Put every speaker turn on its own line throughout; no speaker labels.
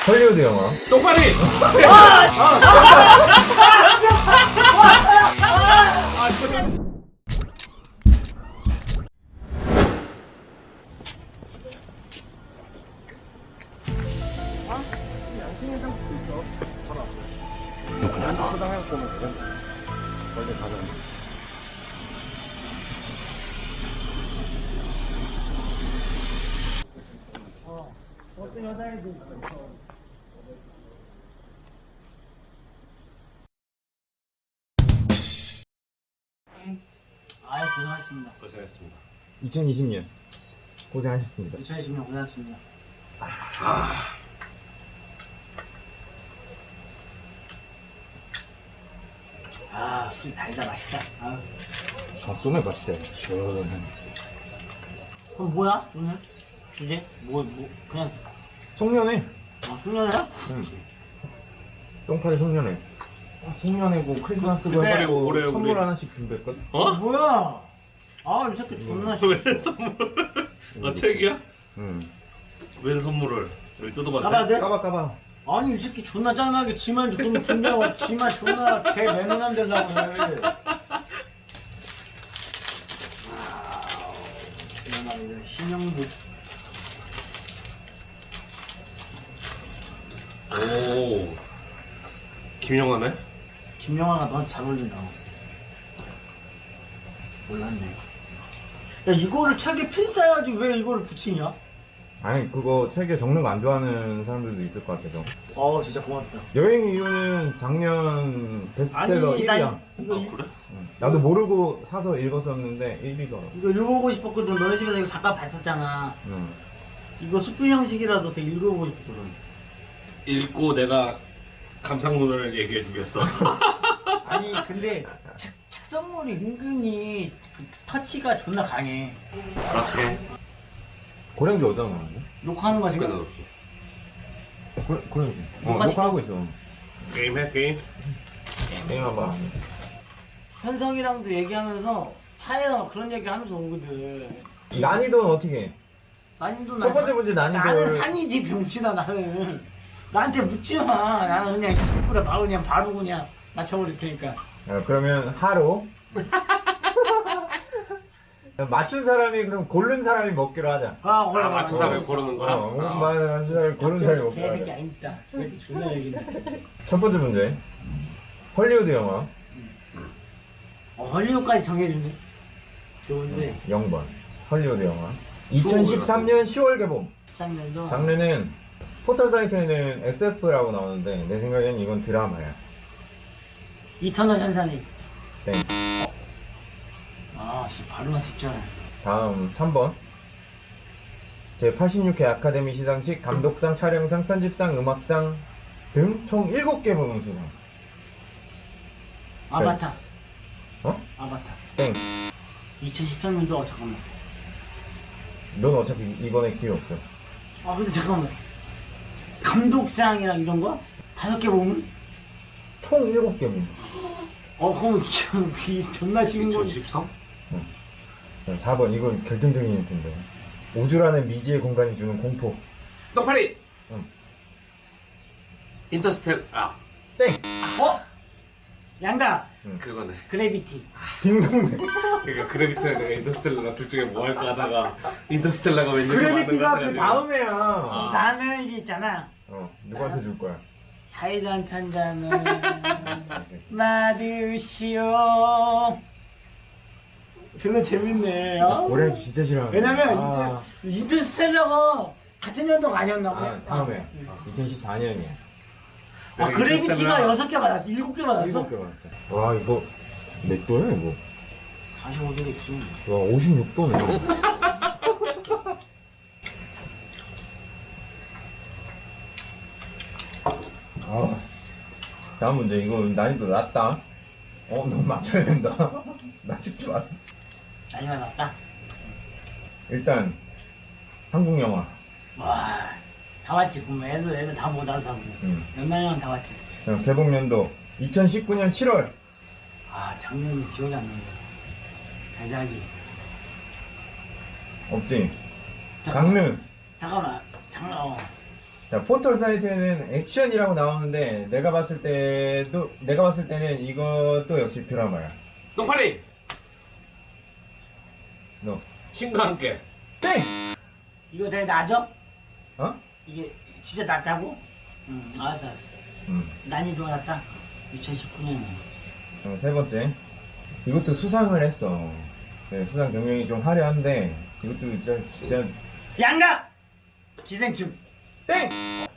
헐리우드 영화.
똑바리! 누구냐 너?
어떤 여자애도 있어. 아유, 고생하셨습니다.
고생했습니다.
2020년 고생하셨습니다.
2020년 고생하셨습니다. 아, 술 달다 맛있다. 아,
소맥 맛있대. 시원해.
그럼 뭐야 오늘 주제? 뭐 그냥
송년회.
훈련해요?
응. 똥파리 송년회. 송년회고 크리스마스고
그때
해가지고
올해
선물
우리-
하나씩 준비했거든.
어?
뭐야? 아, 이 새끼 존나
왜 선물? 책이야?
응.
왜 선물을? 여기 뜯어봤대?
까봐야 돼?
까봐.
아니 이 새끼 존나 짠하게 지만 좀 준비하고 지만 존나 개 매너남 되려고 해. 존나 이거 신형도
오. 김영하네?
김영아가 너한테 잘 어울린다고. 몰랐네. 야, 이거를 책에 필 써야지 왜 이거를 붙이냐?
아니 그거 책에 적는 거 안 좋아하는 사람들도 있을 것 같아서.
진짜 고맙다.
여행 이유는 작년 베스트셀러 1위야.
아 그래?
나도 모르고 사서 읽었었는데 1위더라고.
이거 읽어보고 싶었거든. 너네 집에서 이거 잠깐 봤었잖아.
응.
이거 수필 형식이라도 되게 읽어보고 싶거든.
읽고 내가 감상문을 얘기해 주겠어.
아니 근데 책선물이 은근히 그 터치가 존나 강해.
그렇게
고량주 어디다 놓았는데?
욕하는 거
시간
지금?
없어.
고량주.
녹화
녹화하고 있어.
게임해 게임.
게임 한번.
현성이랑도 얘기하면서 차에서 막 그런 얘기 하면서 오거든.
난이도는 어떻게 해?
난이도
첫 번째 문제
나는
난이도를.
산이지 병신아 나는. 나한테 묻지 마. 나는 그냥 시끄러 바로 그냥 맞춰버릴 테니까.
그러면 하루. 맞춘 사람이 그럼 고른 사람이 먹기로 하자.
아 맞춘 사람이 고르는 거야?
맞춘 사람이 고른 사람이 먹기로
개새끼
하자.
아닙니다. 개새끼 존나 얘기네.
첫 번째 문제. 헐리우드 영화.
헐리우드까지 정해주네. 좋은데.
0번. 헐리우드 영화. 2013년 10월 개봉.
13년도.
장르는 포털 사이트에는 SF라고 나오는데 내 생각에는 이건 드라마야.
이터널 선사님.
땡.
진짜 바로만 직전에.
다음 3번. 제86회 아카데미 시상식 감독상, 촬영상, 편집상, 음악상 등 총 7개 부문 수상.
아바타.
어?
아바타.
땡.
2013년도 잠깐만.
넌 어차피 이번에 기회 없어.
근데 잠깐만. 감독상이랑 이런 거? 5개 보면?
총 7개 부문.
그럼 존나 쉬운 거.
2013?
4번. 이건 결정적인 힌트인데. 우주라는 미지의 공간이 주는 공포.
똑파리!
응.
인터스텔
땡!
양가.
그거네.
그래비티.
딩동댕.
그러니까 그래비티랑 내가 인터스텔라랑 둘 중에 뭐 할까 하다가 인터스텔라가 왠지
그래비티가 그 다음에야.
나는 이게 있잖아.
누구한테 줄 거야?
사회자한테 한 잔은 마드시오. 존나 재밌네.
고량주 진짜 싫어하는.
왜냐면 인터스텔라가 같은 연도가 아니었나 봐.
다음에 2014년이야.
그래비티가 6개 받았어. 7개 받았어?
7개 받았어. 와 이거 몇 도야 이거?
45도겠지.
와 56도네. 다음 문제. 이거 난이도 낮다. 너 맞춰야 된다. 나 찍지 마.
마지막 났다.
일단 한국 영화.
와, 다 왔지. 그럼 애들 다 못 알아보고. 몇만 명 다 왔지.
개봉 연도 2019년 7월.
작년이 기억이 안 나네. 배작이.
없지. 장르.
잠깐만. 장르.
자, 포털 사이트에는 액션이라고 나오는데 내가 봤을 때는 이것도 역시 드라마야.
똥파리
너
신과 함께.
땡!
이거 되게 낮아?
어?
이게 진짜 낮다고? 알았어. 난이도가 낮다. 2019년.
세 번째. 이것도 수상을 했어. 네, 수상 경력이 좀 화려한데 이것도 진짜
양가! 기생충.
땡!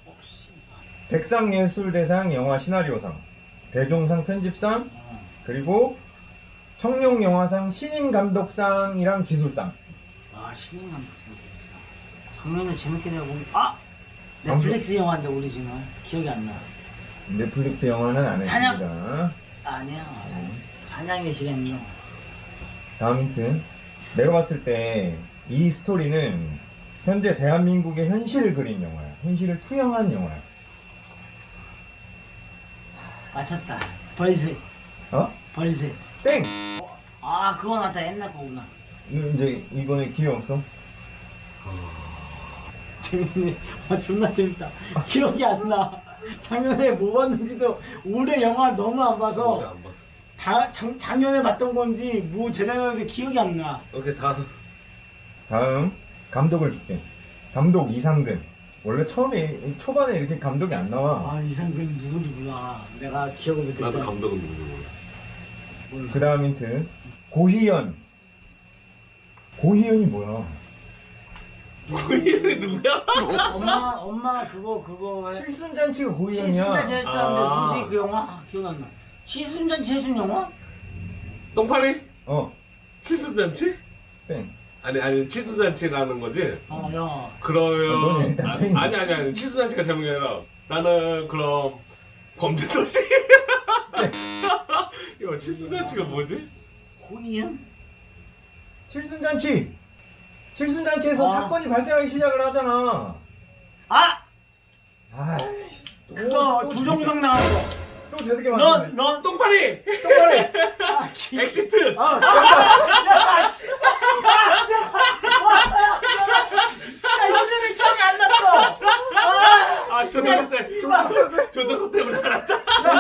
백상예술대상 영화 시나리오상, 대종상 편집상, 그리고 청룡영화상 신인감독상이랑 기술상.
아, 신인감 작년에 재밌게 내가 본. 아! 넷플릭스 영화인데 오리지널. 기억이 안 나.
넷플릭스 영화는 안
사냥!
했습니다.
아니야. 사냥의 시간이요.
다음 힌트. 내가 봤을 때 이 스토리는 현재 대한민국의 현실을 그린 영화야. 현실을 투영한 영화야.
맞췄다. 벌새.
어?
벌새.
땡!
아, 그거 나다 옛날 거구나.
이제 이번에 기회 없어.
재밌네. 아, 존나 재밌다. 기억이 안 나. 작년에 뭐 봤는지도 올해 영화 너무 안
오래
봐서
안 봤어.
작년에 봤던 건지 뭐 재작년에 기억이 안 나.
오케이 다음.
다음 감독을 줄게. 감독 이상근. 원래 초반에 이렇게 감독이 안 나와.
아, 이상근 누군지 몰라. 내가 기억을 못했다.
나도 감독은 누군지 몰라.
몰라.
그 다음 힌트. 고희연. 고희연이 뭐야?
고희연이 누구야?
엄마 그거
칠순잔치가 고희연이야.
칠순잔치 했다는데
아.
뭐지 그 영화? 아, 기억 안 나. 칠순잔치 해준 영화?
똥파리?
어,
칠순잔치?
땡.
아니 칠순잔치라는 거지?
야.
그러면
너는 일단 땡이지.
아니 칠순잔치가 제목이 아니라 나는 그럼 범죄도시. 이거 칠순잔치가 뭐지?
고이현?
칠순잔치. 칠순잔치에서
아.
사건이 발생하기 시작을 하잖아.
아!
아,
그거 조정석 나왔어.
또 재수게 만드네.
넌
똥파리!
똑바로.
아,
엑시트!
아, 됐다.
야, 씨. 야, 요즘에 기억이 안 났어.
아 조정석 때문에 알았다.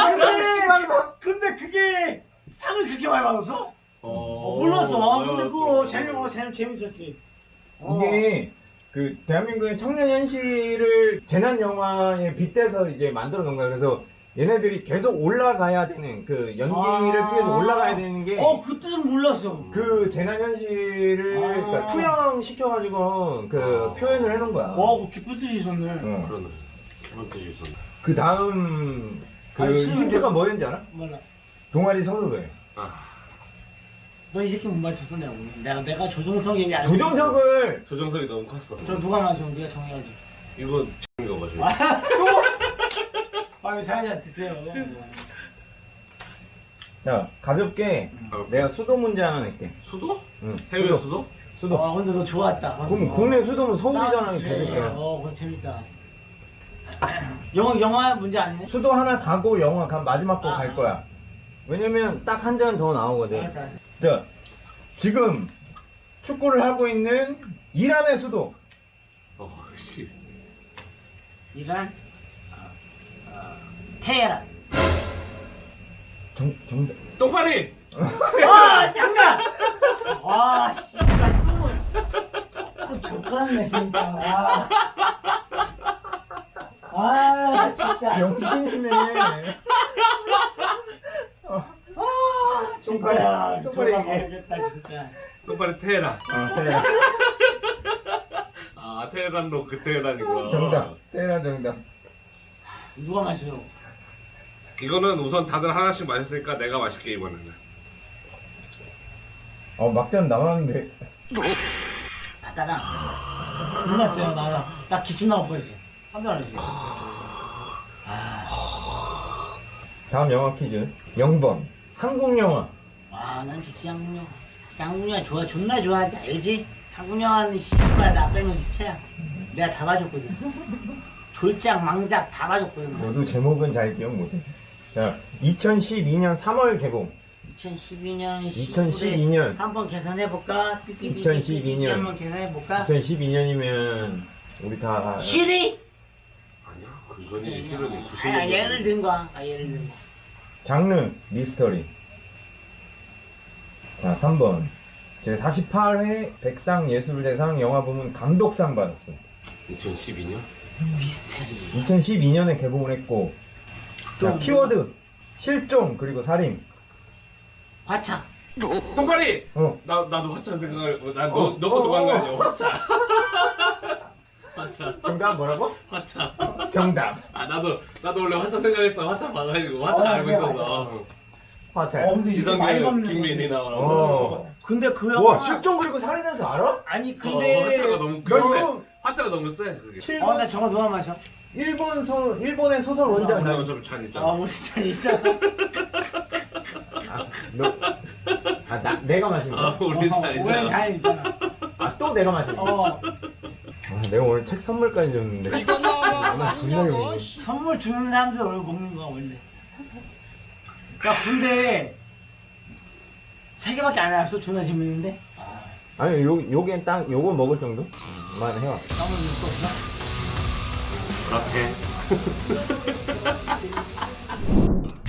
근데 그게 상을 그렇게 많이 받았어? 몰랐어. 아, 근데 그거 재밌었지.
이게 그 대한민국의 청년 현실을 재난 영화에 빗대서 이제 만들어 놓은 거야. 그래서 얘네들이 계속 올라가야 되는 그 연기를 통해서 올라가야 되는 게
그때는 몰랐어.
그 재난 현실을 그러니까 투영시켜가지고 그 표현을 해놓은 거야.
깊은 뜻이 있었네.
어.
그러네. 그런 뜻이 있었네.
그 다음 그
아니,
힌트가 뭐였는지 알아?
몰라.
동아리 선후배.
너 이 새끼 못 맞췄어 내가 오늘. 내가 조정석 얘기 안
조정석을
조정석이 너무 컸어.
했어. 저 누가 맞춰? 네가 정해야지.
이거 X인가 봐.
빨리 사연이 드세요.
자 가볍게 내가 수도 문제 하나 낼게.
수도?
응.
해외 수도?
수도.
근데 너 좋았다.
그럼 국내 수도는 서울이잖아.
싸우지.
개새끼야.
그거 재밌다. 영화 문제 아니네?
수도 하나 가고 영화 마지막 거 갈 거야. 왜냐면 딱 한 잔 더 나오거든.
알았어.
자, 지금 축구를 하고 있는 이란의 수도.
씨.
이란 테헤란.
정답.
똥파리!
잠깐! 와, 씨발, 또 족같네, 진짜. 진짜.
병신이네.
진짜.
똑바로 얘기해.
모르겠다, 진짜.
똥파리 테헤란.
테헤란.
테헤란로 그 테헤란이구나.
정답. 테헤란 정답.
누가 마셔?
이거는 우선 다들 하나씩 마셨으니까 내가 마실게 이번에는.
막잔 남았는데.
나랑 끝났어요. 나 기침 나올 뻔했어. 깜짝 놀랐지.
다음 영화 퀴즈. 0번. 한국 영화.
난 좋지, 한국 영화. 한국 영화 좋아, 존나 좋아하지, 알지? 한국 영화는 씨발 나 빼면 시체야. 내가 다 봐줬거든. 졸작, 망작 다 봐줬거든.
모두 제목은 잘 기억 못해. 자, 2012년 3월 개봉.
2012년 한번 계산해볼까?
2012년.
한번 계산해볼까?
2012년이면 우리 다
시리?
아니야? 금손이 실력이
아
90년.
예를 든 거야. 예를 든 거.
장르 미스터리. 자, 3번. 제 48회 백상예술대상 영화부문 감독상 받았어.
2012년?
미스터리.
2012년에 개봉을 했고. 자,
또
키워드 실종 그리고 살인.
화차.
똥파리!
어.
나도 화차 생각을, 너
어,
것도
어,
간거
어.
아니야? 화차. 화차.
정답 뭐라고?
화차.
정답.
아, 나도 원래 화차 생각했어. 화차 봐가지고. 화차 알고 있어서.
화차.
근데 이게 많이
지성균,
먹는
김민희
거지.
나오라고.
어.
근데 그
와,
영화
실종 그리고 살인해서 알아?
아니
화차가
근데
너무
너
세.
이거
화차가 너무 세. 그게.
7번
나 저거 누가 마셔?
일본의 소설 원작.
나
나,
어차피 잔
아
있잖아.
우리 잘 있어.
내가 마신 거야.
우리 잔
우리
있잖아.
잘 있잖아.
아, 또 내가 마신 거야.
어
아, 내가 오늘 책 선물까지 줬는데.
이건 너무
아마 분명히
아니냐고.
오네.
선물 주는 사람들 원래 먹는 거야 원래. 야 근데 3개밖에 안 해왔어. 존나 재밌는데.
아니, 요게 딱 요거 먹을 정도만 해와.
너무 믿고 없어?
그렇게.